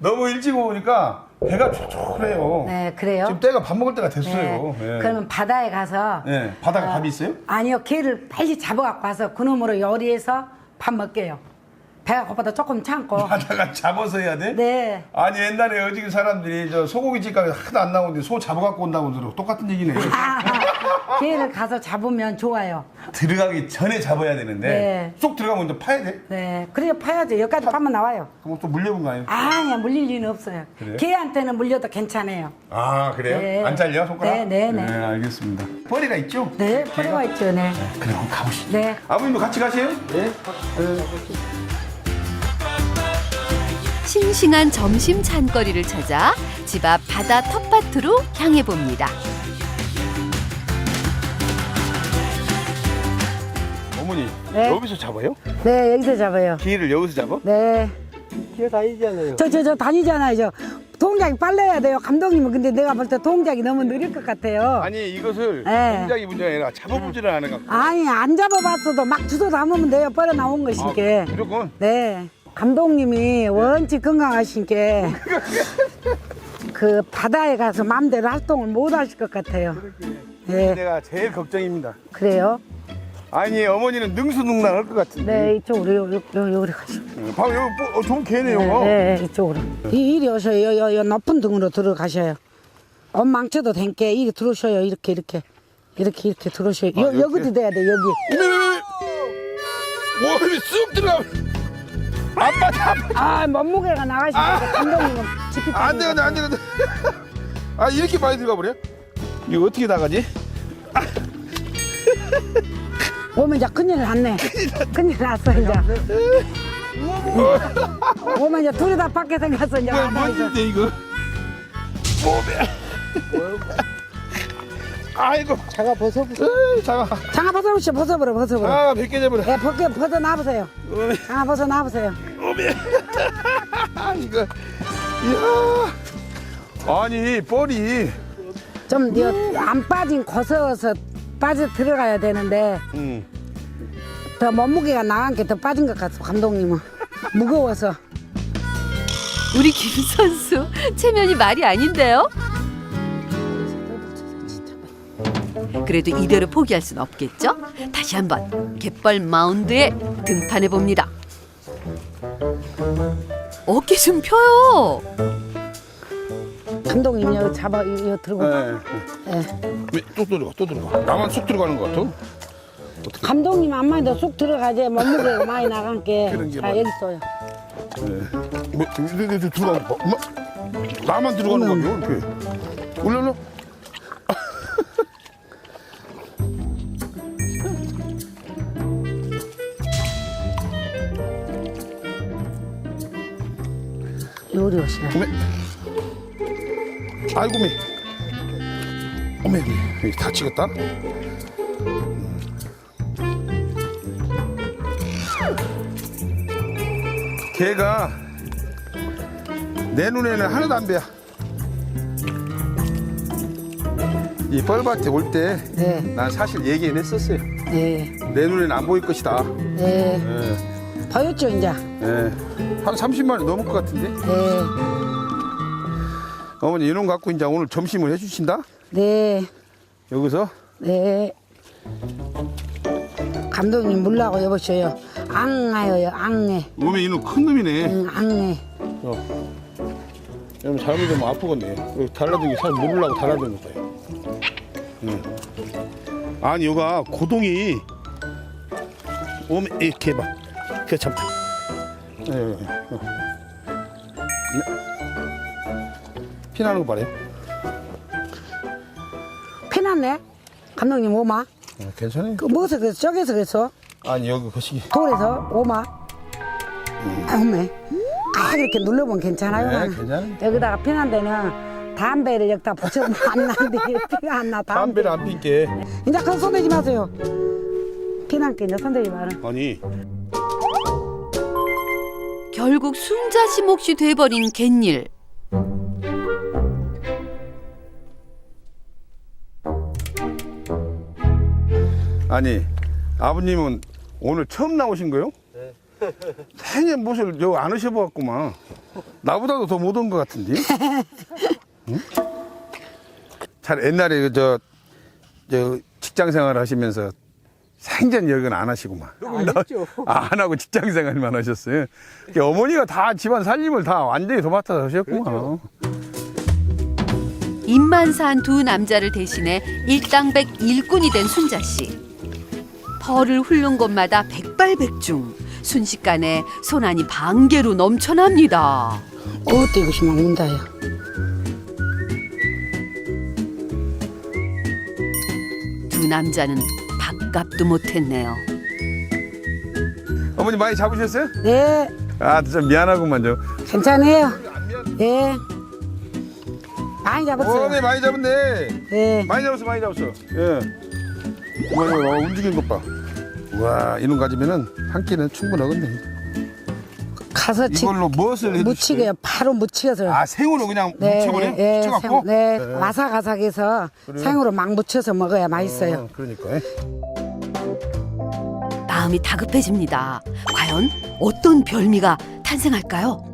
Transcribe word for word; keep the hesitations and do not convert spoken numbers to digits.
너무 일찍 오니까 배가 촉촉해요. 네, 그래요? 지금 때가 밥 먹을 때가 됐어요. 네. 예. 그러면 바다에 가서 네, 바다에 어, 밥이 있어요? 아니요, 게를 빨리 잡아갖고 와서 그놈으로 요리해서 밥 먹게요. 배가 고파도 조금 참고. 바다가 잡아서 해야 돼? 네. 아니 옛날에 어지기 사람들이 저 소고기집 가서 하도 안 나오는데 소 잡아갖고 온다고 들어. 똑같은 얘기네. 아, 게를 가서 잡으면 좋아요. 들어가기 전에 잡아야 되는데 네. 쏙 들어가면 이제 파야 돼? 네, 그래야 파야죠. 여기까지 파면 나와요. 그럼 또 물려본 거 아니에요? 아니야, 물릴 리는 없어요. 그래요? 개한테는 물려도 괜찮아요. 아 그래요? 네. 안 잘려 손가락? 네, 네, 네. 네 알겠습니다. 뻘이가 있죠? 네, 포도가 있죠, 네. 그래 한번 가보시죠. 네. 아버님도 같이 가세요? 네. 싱싱한 점심 찬거리를 찾아 집 앞 바다 텃밭으로 향해 봅니다. 어머니 네. 여기서 잡아요? 네, 여기서 잡아요. 기를 여기서 잡아? 네. 기어다니잖아요. 저, 저, 저 다니잖아요. 저 동작이 빨라야 돼요. 감독님은 근데 내가 볼 때 동작이 너무 느릴 것 같아요. 아니 이것을 네. 동작이 문제가 아니라 잡아보지를 않아 갖고. 아니, 안 잡아봤어도 막 주워 담으면 돼요. 뻘어 나온 것이니까. 아, 무조건? 네. 감독님이 원칙 건강하시니까 그 바다에 가서 마음대로 활동을 못 하실 것 같아요. 네. 내가 제일 걱정입니다. 그래요? 아니 어머니는 능수능란할 것 같은데. 네, 이쪽으로, 요, 요, 요, 요리 가시죠. 네. 바로 여기 뭐, 어, 좋은 개네요. 네, 네, 이쪽으로. 이, 이리 오셔요. 요, 요, 요 높은 등으로 들어가셔요. 엄망쳐도 된게 이리 들어오셔요. 이렇게, 이렇게. 이렇게, 이렇게 들어오셔요. 아, 요, 이렇게? 여기도 돼야 돼, 여기. 와, 쑥 들어가. 아빠, 아빠. 아, 몸무게가 나가시니까 감독님은 지피 안 되거든, 안 되거든. 아, 이렇게 많이 들어가 버려? 이거 어떻게 나가지? 오면 이제 큰일 났네. 큰일 났어, 이제. 오면 이제 둘이 다 밖에 생겼어, 이제. 뭐야, 바다에서. 뭔데, 이거? 몸에. 아이고. 차가 벗어보세요. 에이, 잠깐. 장아 벗어보시오, 벗어버려, 벗어버려. 아, 백 개 잡으라. 예, 벗겨, 벗어 놔보세요. 몸에. 장아 벗어 놔보세요. 몸에. 이거. 이야. 아니, 뻘이. 좀, 이거 안 빠진 거서서 빠져 들어가야 되는데, 응. 더 몸무게가 나간 게 더 빠진 것 같아, 감독님은. 무거워서. 우리 김 선수 체면이 말이 아닌데요? 그래도 이대로 포기할 순 없겠죠? 다시 한번 갯벌 마운드에 등판해 봅니다. 어깨 좀 펴요. 감독님, 여기 잡아, 이거 들고. 네. 예. 또 들어가, 또 들어가. 나만 쑥 들어가는 것 같아. 감독님 안만도 쑥 들어가지 몸무게가 많이 나간 게. 그런 게 자, 맞아. 여기 있어요. 네. 뭐, 네, 네, 네, 들어가는 거 봐. 엄마, 나만 들어가는 거요 이렇게. 올려, 올려. 요리 오시네. 어메. 아이고, 매. 어메, 여기 다치겠다. 걔가 내 눈에는 하나도 안 배야. 이 뻘밭에 올 때 난 네, 사실 얘기는 했었어요. 네, 내 눈에는 안 보일 것이다. 네. 예, 보였죠, 이제? 예. 한 삼십만 원 넘을 것 같은데. 네, 어머니 이놈 갖고 이제 오늘 점심을 해주신다. 네, 여기서 네. 감독님 물라고 여보셔요. 앙아요, 앙해. 오면 이놈 큰 놈이네. 응, 앙해. 어. 여러분 잘못하면 아프겠네. 여기 달라든 게 사람 모르려고 달라든 거예요. 응. 아니 여가 고동이 오면 이렇게 해봐. 그래 참. 예, 예, 예. 어. 네. 피나는 거 봐요. 피났네? 감독님 오마? 어, 괜찮아요. 그 뭐서 그랬어? 저기서 그랬어? 아니 여기 거시기. 돌에서 오마? 아, 오메. 아, 이렇게 눌러보면 괜찮아요. 네, 나는. 괜찮아요. 여기다가 피난 데는 담배를 여기다 붙여보면 안 나는데 피가 안 나. 담배. 담배를 안 핀게. 이제 그거 손대지 마세요. 피난 게 이제 손대지 마라. 아니 결국 순자씨 몫이 돼버린 갯일. 아니 아버님은 오늘 처음 나오신 거요? 네. 생애 못을 여기 안 오셔봐갖구만. 나보다도 더 못 온 것 같은데. 응? 잘 옛날에 그 저, 저 직장 생활 하시면서 생전 여기는 안 하시구만. 안 했죠. 아, 안 하고 직장 생활만 하셨어요. 그러니까 어머니가 다 집안 살림을 다 완전히 도맡아서 하셨구만. 그렇죠. 입만 산 두 남자를 대신해 일당백 일꾼이 된 순자 씨. 벌을 훑는 곳마다 백발백중. 순식간에 손안이 반개로 넘쳐납니다. 어때 이것이 막 운다요. 두 남자는 밥값도 못했네요. 어머니 많이 잡으셨어요? 네, 아, 좀 미안하구만 좀. 괜찮아요. 네. 많이 잡았어요. 어, 네, 많이 잡았네. 네. 많이 잡았어, 많이 잡았어. 예. 와, 와, 움직이는 것 봐. 와, 이놈 가지면은 한 끼는 충분하겠네. 가서 지, 이걸로 무엇을 해주실까요? 무치게요. 바로 무치게서. 아, 생으로 그냥 묻혀버려? 네, 묻혀갖고? 생- 네, 네. 아삭아삭해서 생으로 막 무쳐서 먹어야 맛있어요. 어, 그러니까. 마음이 다급해집니다. 과연 어떤 별미가 탄생할까요?